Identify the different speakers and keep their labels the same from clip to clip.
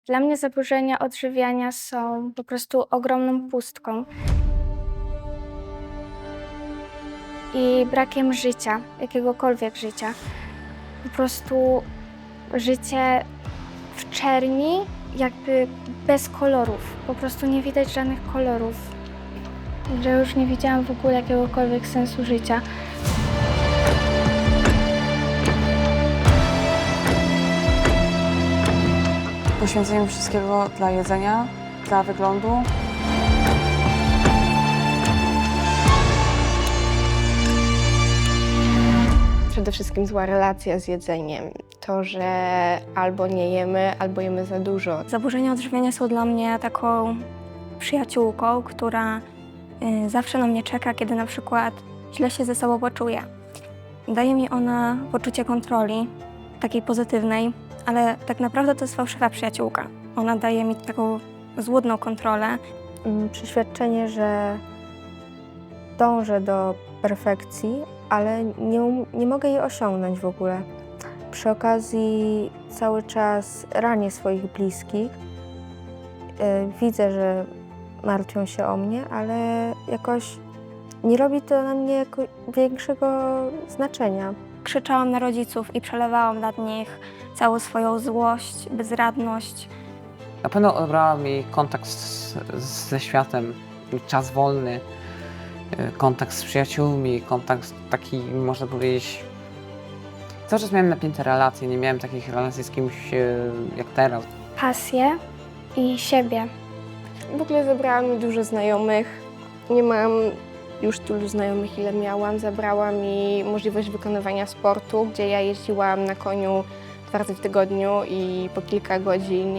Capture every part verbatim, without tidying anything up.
Speaker 1: Dla mnie zaburzenia odżywiania są po prostu ogromną pustką i brakiem życia, jakiegokolwiek życia. Po prostu życie w czerni, jakby bez kolorów. Po prostu nie widać żadnych kolorów. Że już nie widziałam w ogóle jakiegokolwiek sensu życia.
Speaker 2: Poświęcenie wszystkiego dla jedzenia, dla wyglądu.
Speaker 3: Przede wszystkim zła relacja z jedzeniem. To, że albo nie jemy, albo jemy za dużo.
Speaker 4: Zaburzenia odżywiania są dla mnie taką przyjaciółką, która y, zawsze na mnie czeka, kiedy na przykład źle się ze sobą poczuję. Daje mi ona poczucie kontroli, takiej pozytywnej, ale tak naprawdę to jest fałszywa przyjaciółka. Ona daje mi taką złudną kontrolę.
Speaker 5: Mm, Przeświadczenie, że dążę do perfekcji, ale nie, um- nie mogę jej osiągnąć w ogóle. Przy okazji cały czas ranię swoich bliskich. Yy, Widzę, że martwią się o mnie, ale jakoś nie robi to na mnie jako większego znaczenia.
Speaker 4: Krzyczałam na rodziców i przelewałam nad nich całą swoją złość, bezradność.
Speaker 6: Na pewno odebrała mi kontakt z, ze światem, czas wolny, y, kontakt z przyjaciółmi, kontakt taki, można powiedzieć... Cały czas miałem napięte relacje, nie miałem takich relacji z kimś y, jak teraz.
Speaker 1: Pasję i siebie.
Speaker 3: W ogóle zabrała mi dużo znajomych. Nie mam już tylu znajomych, ile miałam. Zabrała mi możliwość wykonywania sportu, gdzie ja jeździłam na koniu dwa razy w tygodniu i po kilka godzin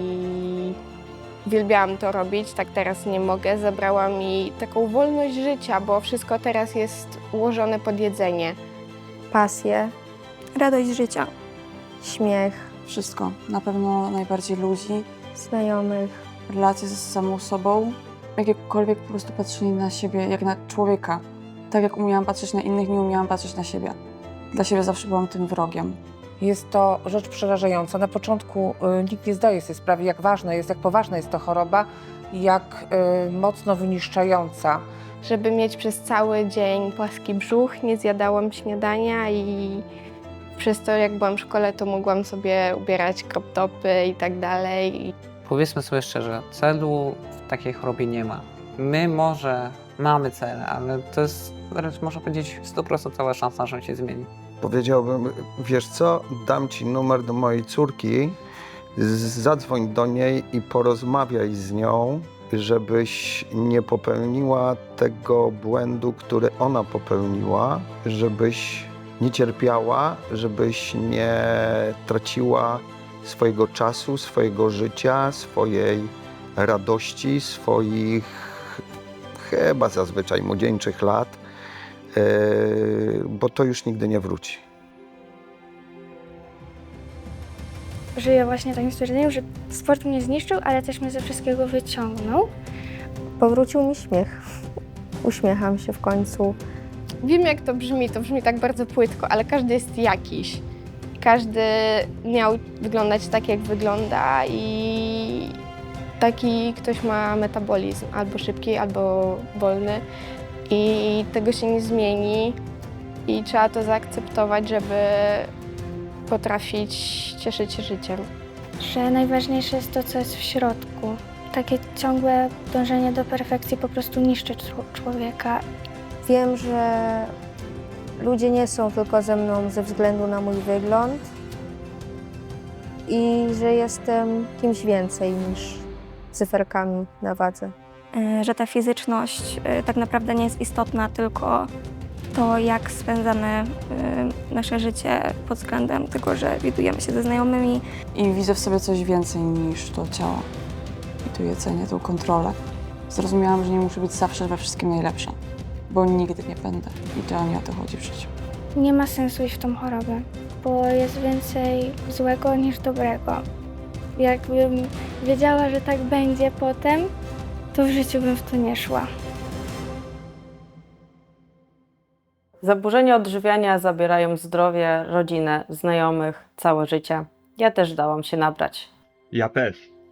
Speaker 3: i uwielbiałam to robić. Tak teraz nie mogę. Zabrała mi taką wolność życia, bo wszystko teraz jest ułożone pod jedzenie.
Speaker 5: Pasję,
Speaker 4: Radość życia.
Speaker 5: śmiech,
Speaker 2: Wszystko. Na pewno najbardziej ludzi,
Speaker 5: znajomych.
Speaker 2: relacje z samą sobą. Jakiekolwiek po prostu patrzenie na siebie jak na człowieka. Tak jak umiałam patrzeć na innych, nie umiałam patrzeć na siebie. Dla siebie zawsze byłam tym wrogiem.
Speaker 7: Jest to rzecz przerażająca. Na początku y, nikt nie zdaje sobie sprawy, jak ważna jest, jak poważna jest to choroba, jak y, mocno wyniszczająca.
Speaker 3: Żeby mieć przez cały dzień płaski brzuch, nie zjadałam śniadania i przez to, jak byłam w szkole, to mogłam sobie ubierać crop topy i tak dalej.
Speaker 6: Powiedzmy sobie szczerze, celu w takiej chorobie nie ma. My może mamy cel, ale to jest wręcz można powiedzieć sto procent cała szansa, że on się zmieni.
Speaker 8: Powiedziałbym, wiesz co, dam ci numer do mojej córki, z- zadzwoń do niej i porozmawiaj z nią, żebyś nie popełniła tego błędu, który ona popełniła, żebyś nie cierpiała, żebyś nie traciła swojego czasu, swojego życia, swojej radości, swoich chyba zazwyczaj młodzieńczych lat, yy, bo to już nigdy nie wróci.
Speaker 1: Żyję właśnie takim stwierdzeniem, że sport mnie zniszczył, ale też mnie ze wszystkiego wyciągnął.
Speaker 5: Powrócił mi śmiech. Uśmiecham się w końcu.
Speaker 3: Wiem, jak to brzmi, to brzmi tak bardzo płytko, ale każdy jest jakiś. Każdy miał wyglądać tak, jak wygląda i taki ktoś ma metabolizm albo szybki, albo wolny i tego się nie zmieni i trzeba to zaakceptować, żeby potrafić cieszyć się życiem.
Speaker 1: Że najważniejsze jest to, co jest w środku. Takie ciągłe dążenie do perfekcji po prostu niszczy czł- człowieka.
Speaker 5: Wiem, że ludzie nie są tylko ze mną ze względu na mój wygląd i że jestem kimś więcej niż cyferkami na wadze.
Speaker 4: Y, Że ta fizyczność y, tak naprawdę nie jest istotna, tylko to, jak spędzamy y, nasze życie pod względem tego, że widujemy się ze znajomymi.
Speaker 2: I widzę w sobie coś więcej niż to ciało. I to jedzenie, tą kontrolę. Zrozumiałam, że nie muszę być zawsze we wszystkim najlepsza, bo nigdy nie będę. I to nie o to chodzi w życiu.
Speaker 1: Nie ma sensu iść w tą chorobę, bo jest więcej złego niż dobrego. Jakbym wiedziała, że tak będzie potem, to w życiu bym w to nie szła.
Speaker 9: Zaburzenia odżywiania zabierają zdrowie, rodzinę, znajomych, całe życie. Ja też dałam się nabrać.
Speaker 10: Ja też.